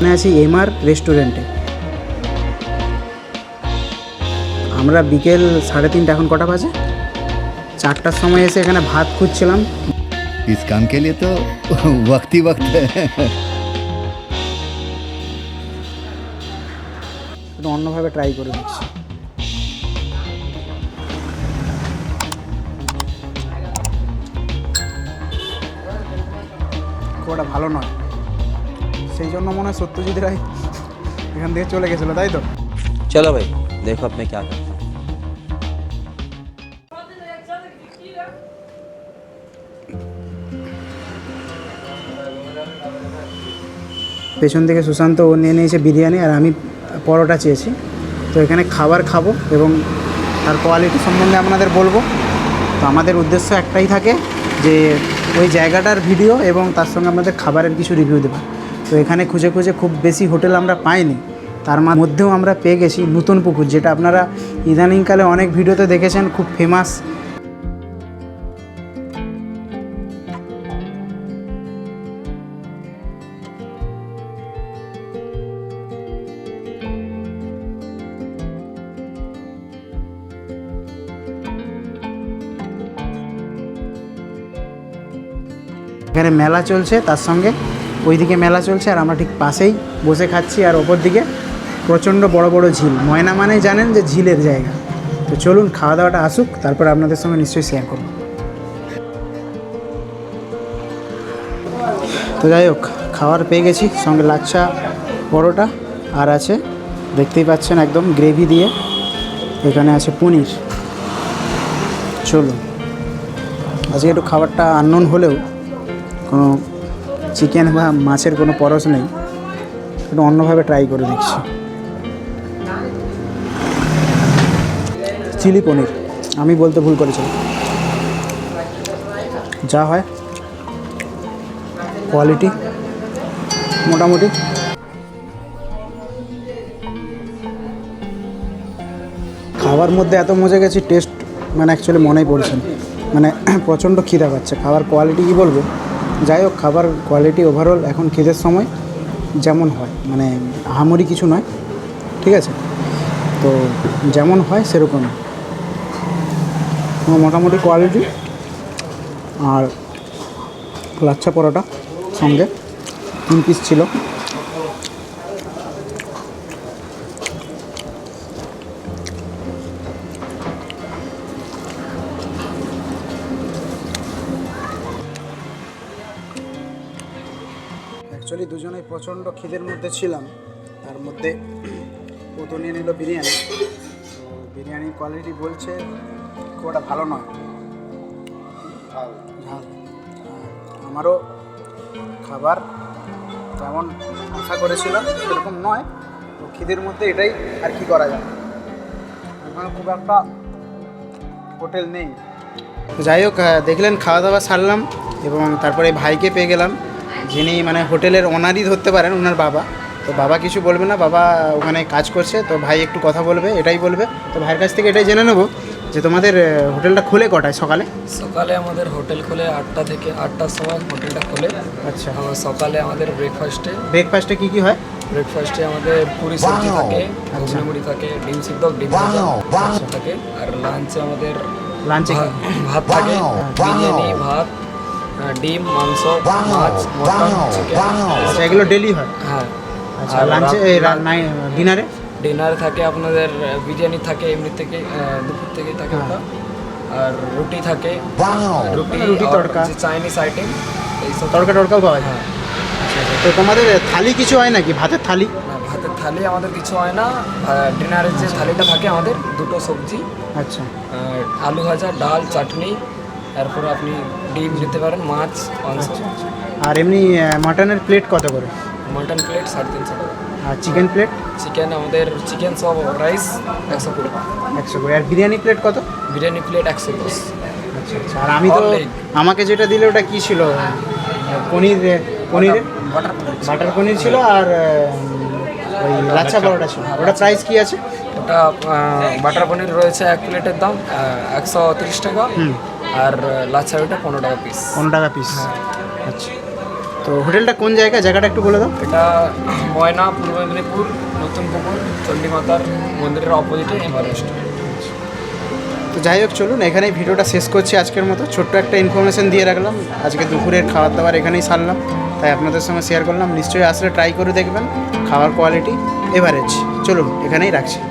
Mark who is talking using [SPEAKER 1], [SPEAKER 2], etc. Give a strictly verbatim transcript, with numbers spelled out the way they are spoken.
[SPEAKER 1] এখানে আছি এমআর রেস্টুরেন্টে। আমরা বিকেল সাড়ে তিনটা, এখন কটা বাজে, চারটার সময় এসে এখানে ভাত খুঁজছিলাম।
[SPEAKER 2] इस काम के लिए तो वक्त ही वक्त है।
[SPEAKER 1] একটু অন্যভাবে ট্রাই করে দিচ্ছি। খুব একটা ভালো নয়, সেই জন্য মনে হয় সত্যজিৎ রায় এখান থেকে চলে গেছিলো, তাই তো?
[SPEAKER 3] चलो भाई देखो अब मैं क्या करता हूँ।
[SPEAKER 1] পেছন থেকে সুশান্ত ও নিয়ে নিয়েছে বিরিয়ানি, আর আমি পরোটা চেয়েছি। তো এখানে খাবার খাবো এবং তার কোয়ালিটি সম্বন্ধে আপনাদের বলবো। তো আমাদের উদ্দেশ্য একটাই থাকে যে ওই জায়গাটার ভিডিও এবং তার সঙ্গে আমাদের খাবারের কিছু রিভিউ দেবো। তো এখানে খুঁজে খুঁজে খুব বেশি হোটেল আমরা পাইনি, তার মধ্যেও আমরা পেয়ে গেছি নতুন পুকুর, যেটা আপনারা ইদানিংকালে অনেক ভিডিওতে দেখেছেন, খুব ফেমাস। এখানে মেলা চলছে, তার সঙ্গে ওইদিকে মেলা চলছে, আর আমরা ঠিক পাশেই বসে খাচ্ছি। আর ওপর দিকে প্রচণ্ড বড় বড় ঝিল। ময়না মানেই জানেন যে ঝিলের জায়গা। তো চলুন খাওয়া দাওয়াটা আসুক, তারপর আপনাদের সঙ্গে নিশ্চয়ই শেয়ার করব। তো যাই হোক, খাবার পেয়ে গেছি, সঙ্গে লাচ্ছা পরোটা, আর আছে দেখতেই পাচ্ছেন একদম গ্রেভি দিয়ে। এখানে আছে পনির। চলুন, আজকে একটু খাবারটা আননোন হলেও কোনো চিকেন বা মাছের কোনো পরশ নেই, একটু অন্যভাবে ট্রাই করে দেখছি। চিলি পনির, আমি বলতে ভুল করেছিলাম। যা হয় কোয়ালিটি মোটামুটি। খাবার মধ্যে এত মজা গেছি, টেস্ট মানে অ্যাকচুয়ালি মনেই পড়ছে না, মানে প্রচণ্ড খিদা পাচ্ছে। খাবার কোয়ালিটি কী বলবো, যাই হোক খাবার কোয়ালিটি ওভারঅল এখন খিদের সময় যেমন হয়, মানে আহামরি কিছু নয়, ঠিক আছে? তো যেমন হয় সেরকম মোটামুটি কোয়ালিটি। আর লাচ্ছা পরোটা সঙ্গে তিন পিস ছিল। অ্যাকচুয়ালি দুজনেই প্রচণ্ড খিদের মধ্যে ছিলাম, তার মধ্যে ও তো নিয়ে নিল বিরিয়ানি। তো বিরিয়ানির কোয়ালিটি বলছে খুব একটা ভালো নয়, ঝাল। আমারও খাবার যেমন আশা করেছিলাম সেরকম নয়। তো খিদের মধ্যে এটাই আর কি করা যায়, এখানে খুব একটা হোটেল নেই। যাই হোক, দেখলেন খাওয়া দাওয়া সারলাম এবং তারপরে ভাইকে পেয়ে গেলাম, যিনি মানে হোটেলের ওনারই ধরতে পারেন, ওনার বাবা। তো বাবা কিছু বলবে না, বাবা ওখানে কাজ করছে, তো ভাই একটু কথা বলবে, এটাই বলবে। তো ভাইয়ের কাছ থেকে এটাই জেনে নেবো যে তোমাদের হোটেলটা খোলে কটায়? সকালে
[SPEAKER 4] সকালে আমাদের হোটেল খোলে আটটা থেকে, আটটার সময় হোটেলটা খোলে।
[SPEAKER 1] আচ্ছা,
[SPEAKER 4] সকালে আমাদের ব্রেকফাস্টে
[SPEAKER 1] ব্রেকফাস্টে কী কী হয়?
[SPEAKER 4] ব্রেকফাস্টে আমাদের পুরি সবজি থাকে, ঘুগনি মুড়ি থাকে, ডিম সিদ্ধ, ডিম ভাজা থাকে। আর লাঞ্চে আমাদের
[SPEAKER 1] লাঞ্চে
[SPEAKER 4] ভাত থাকে, বিরিয়ানি, ভাত, ডিম, মাংস, মাছ, মটন, চিকেন,
[SPEAKER 1] এগুলো ডেলি হয়?
[SPEAKER 4] হ্যাঁ।
[SPEAKER 1] আচ্ছা, লাঞ্চে ডিনারে?
[SPEAKER 4] ডিনারে থাকে আপনাদের বিরিয়ানি থাকে, এমনি থেকে দুপুর থেকে থাকে ওটা। আর রুটি থাকে, রুটি
[SPEAKER 1] রুটি তড়কা,
[SPEAKER 4] চাইনিজ আইটেম, এইসব
[SPEAKER 1] তড়কা টড়কাও পাওয়া যায়। তো তোমাদের থালি কিছু হয় নাকি? ভাতের থালি?
[SPEAKER 4] ভাতের থালি আমাদের কিছু হয় না। ডিনারের যে থালিটা থাকে আমাদের দুটো সবজি,
[SPEAKER 1] আচ্ছা,
[SPEAKER 4] আলু ভাজা, ডাল, চাটনি, তারপরে আপনি ডিম নিতে পারেন, মাছ, মাংস।
[SPEAKER 1] আর এমনি মাটনের প্লেট কত করে?
[SPEAKER 4] মাটন প্লেট সাড়ে তিনশো টাকা।
[SPEAKER 1] আর চিকেন প্লেট?
[SPEAKER 4] চিকেন আমাদের চিকেন সব রাইস একশো কুড়ি
[SPEAKER 1] একশো করে। আর বিরিয়ানি প্লেট কত?
[SPEAKER 4] বিরিয়ানি প্লেট একশো দশ।
[SPEAKER 1] আচ্ছা আচ্ছা। আর আমি তো আমাকে যেটা দিলে ওটা কী ছিল? পনির, পনির
[SPEAKER 4] বাটার
[SPEAKER 1] বাটার পনির ছিল, আর ওই লাচ্ছা পরোটা ছিল। ওটা প্রাইস কী আছে?
[SPEAKER 4] ওটা বাটার পনির রয়েছে এক প্লেটের দাম একশো তিরিশ টাকা, আর লাচ্ছা ওটা পনেরো টাকা পিস।
[SPEAKER 1] পনেরো টাকা পিস, আচ্ছা। তো হোটেলটা কোন জায়গায়, জায়গাটা একটু বলে দাও।
[SPEAKER 4] এটা ময়না, পূর্ব মেদিনীপুর, নতুন পুকুর, চণ্ডীমাতার মন্দিরের অপোজিটে এমআর রেস্টুরেন্ট।
[SPEAKER 1] তো যাই হোক, চলুন এখানেই ভিডিওটা শেষ করছি আজকের মতো। ছোট্ট একটা ইনফরমেশন দিয়ে রাখলাম, আজকে দুপুরের খাবার দাবার এখানেই সারলাম, তাই আপনাদের সঙ্গে শেয়ার করলাম। নিশ্চয়ই আসলে ট্রাই করে দেখবেন, খাওয়ার কোয়ালিটি এভারেজ। চলুন এখানেই রাখছি।